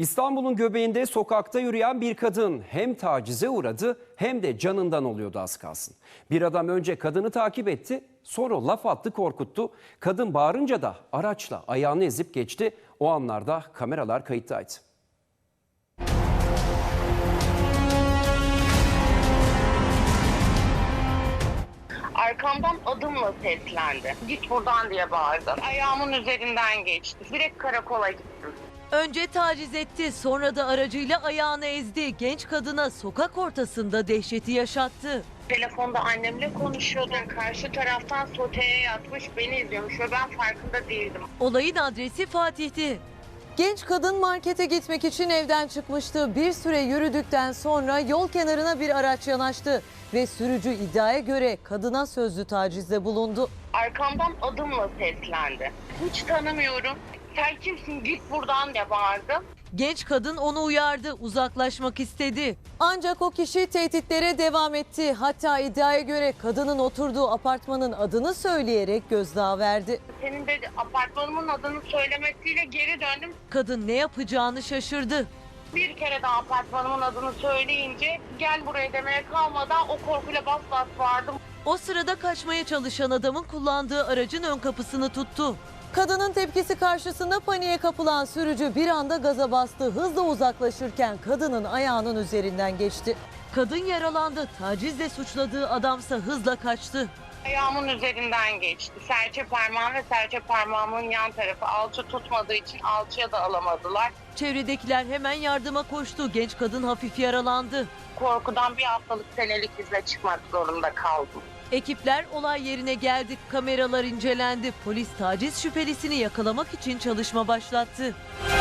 İstanbul'un göbeğinde sokakta yürüyen bir kadın hem tacize uğradı hem de canından oluyordu az kalsın. Bir adam önce kadını takip etti, sonra laf attı, korkuttu. Kadın bağırınca da araçla ayağını ezip geçti. O anlarda kameralar kayıttaydı. Arkamdan adımla seslendi. Git buradan diye bağırdı. Ayağımın üzerinden geçti. Direkt karakola gittim. Önce taciz etti, sonra da aracıyla ayağını ezdi. Genç kadına sokak ortasında dehşeti yaşattı. Telefonda annemle konuşuyordum. Karşı taraftan soteye yatmış, beni izliyormuş ve ben farkında değildim. Olayın adresi Fatih'ti. Genç kadın markete gitmek için evden çıkmıştı. Bir süre yürüdükten sonra yol kenarına bir araç yanaştı ve sürücü iddiaya göre kadına sözlü tacizde bulundu. Arkamdan adımla seslendi. Hiç tanımıyorum. Sen kimsin, git buradan diye bağırdı. Genç kadın onu uyardı, uzaklaşmak istedi. Ancak o kişi tehditlere devam etti. Hatta iddiaya göre kadının oturduğu apartmanın adını söyleyerek gözdağı verdi. Senin de apartmanımın adını söylemesiyle geri döndüm. Kadın ne yapacağını şaşırdı. Bir kere daha apartmanımın adını söyleyince gel buraya demeye kalmadan o korkuyla bas bas bağırdım. O sırada kaçmaya çalışan adamın kullandığı aracın ön kapısını tuttu. Kadının tepkisi karşısında paniğe kapılan sürücü bir anda gaza bastı. Hızla uzaklaşırken kadının ayağının üzerinden geçti. Kadın yaralandı. Tacizle suçladığı adamsa hızla kaçtı. Ayağımın üzerinden geçti. Serçe parmağım ve serçe parmağımın yan tarafı alçı tutmadığı için alçıya da alamadılar. Çevredekiler hemen yardıma koştu. Genç kadın hafif yaralandı. Korkudan bir haftalık senelik izle çıkmak zorunda kaldım. Ekipler olay yerine geldi. Kameralar incelendi. Polis taciz şüphelisini yakalamak için çalışma başlattı.